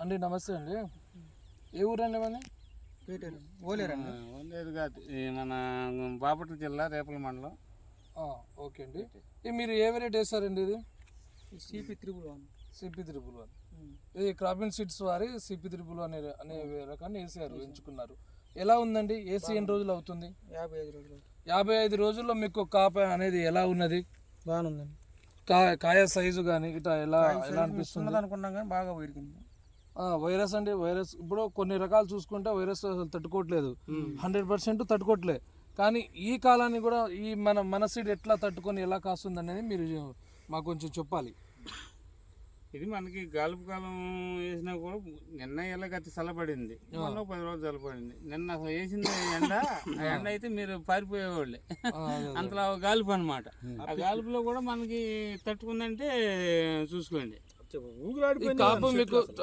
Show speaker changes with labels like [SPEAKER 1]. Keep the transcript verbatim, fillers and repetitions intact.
[SPEAKER 1] అండి నమస్తే అండి. ఏ ఊరండి మన
[SPEAKER 2] ఓలేరండి
[SPEAKER 3] ఓలేరు కాదు, ఈ మన బాపట్ల జిల్లా రేపల మండలం.
[SPEAKER 1] ఓకే అండి. ఇది మీరు ఏ వెరైటీ వేస్తారండి? ఇది
[SPEAKER 2] CP triple one
[SPEAKER 1] CP triple one ఇది క్రాపింగ్ సీడ్స్ వారి సిపి త్రిబుల్ అనే అనే రకాన్ని వేసారు, ఎంచుకున్నారు. ఎలా ఉందండి? వేసి ఎన్ని రోజులు అవుతుంది?
[SPEAKER 2] యాభై ఐదు రోజులు
[SPEAKER 1] యాభై ఐదు రోజుల్లో మీకు కాప అనేది ఎలా ఉన్నది?
[SPEAKER 2] బాగానుందండి.
[SPEAKER 1] కాయ కాయ సైజు కానీ ఇట్లా ఎలా ఎలా అనిపిస్తుంది
[SPEAKER 2] అనుకున్నాం కానీ బాగా పెరిగింది.
[SPEAKER 1] వైరస్ అండి, వైరస్ ఇప్పుడు కొన్ని రకాలు చూసుకుంటే వైరస్ అసలు తట్టుకోవట్లేదు, హండ్రెడ్ పర్సెంట్ తట్టుకోవట్లేదు. కానీ ఈ కాలాన్ని కూడా ఈ మన మన సీడ్ ఎట్లా తట్టుకొని ఎలా కాస్తుంది అనేది మీరు మాకు కొంచెం చెప్పాలి.
[SPEAKER 3] ఇది మనకి గాలుపు కాలం వేసినా కూడా నిన్న ఎలా గతి చల్లబడింది, మొన్న పది రోజులు చల్లబడింది. నిన్న అసలు వేసింది ఎండ, ఆ ఎండ అయితే మీరు పారిపోయేవాళ్ళే, అంతలా గాలుపు అనమాట. ఆ గాలుపులో కూడా మనకి తట్టుకుందంటే చూసుకోండి.
[SPEAKER 1] కాపు మీకు